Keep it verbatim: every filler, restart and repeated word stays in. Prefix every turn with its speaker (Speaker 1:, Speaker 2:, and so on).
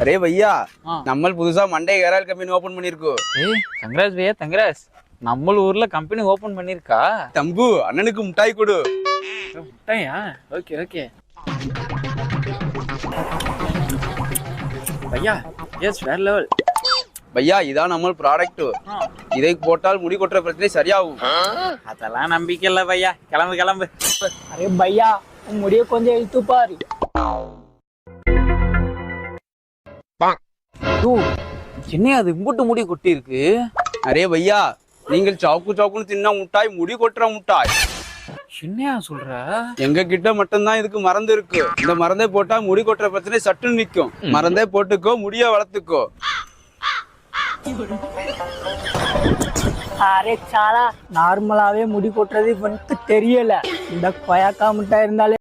Speaker 1: Array பையா,
Speaker 2: ஆ.
Speaker 1: நம்ம புதுசா Monday hair oil company open பண்ணிருக்கோம்.
Speaker 2: ஏய் கங்கராஜ் பையா கங்கராஜ். நம்ம ஊர்ல கம்பெனி ஓபன் பண்ணிருக்கா?
Speaker 1: தம்பு அண்ணனுக்கு முட்டாய் கொடு.
Speaker 2: முட்டையா? ஓகே ஓகே பையா. எஸ் வேற லெவல்.
Speaker 1: பையா இதான் நம்ம ப்ராடக்ட். இதை போட்டால் முடி கொட்டுற பிரச்சனை சரியாகும்.
Speaker 2: அதெல்லாம் நம்பிக்கை இல்ல பையா. கிளம்பு கிளம்பு.
Speaker 3: அரே பையா, உன் முடிய கொஞ்சம் இழுத்து பாரு.
Speaker 2: என்ன அது இம்புட்டு முடி கொட்டி இருக்கு?
Speaker 1: அரே பையா, நீங்கள் சாக்கு சாக்குன்னு தின்னா முட்டாய் முடி கொட்டுற முட்டாய்.
Speaker 2: என்னையா சொல்ற?
Speaker 1: எங்க கிட்ட மட்டும்தான் இதுக்கு மருந்து இருக்கு. இந்த மருந்தை போட்டா முடி கொட்டுற பிரச்சனை சட்டுன்னு நிக்கும். மருந்தை போட்டுக்கோ, முடிய வளர்த்துக்கோ.
Speaker 3: அரே சாலா, நார்மலாவே முடி கொட்டுறது இவனுக்கு தெரியல. இந்த கொயாக்கா முட்டை இருந்தாலே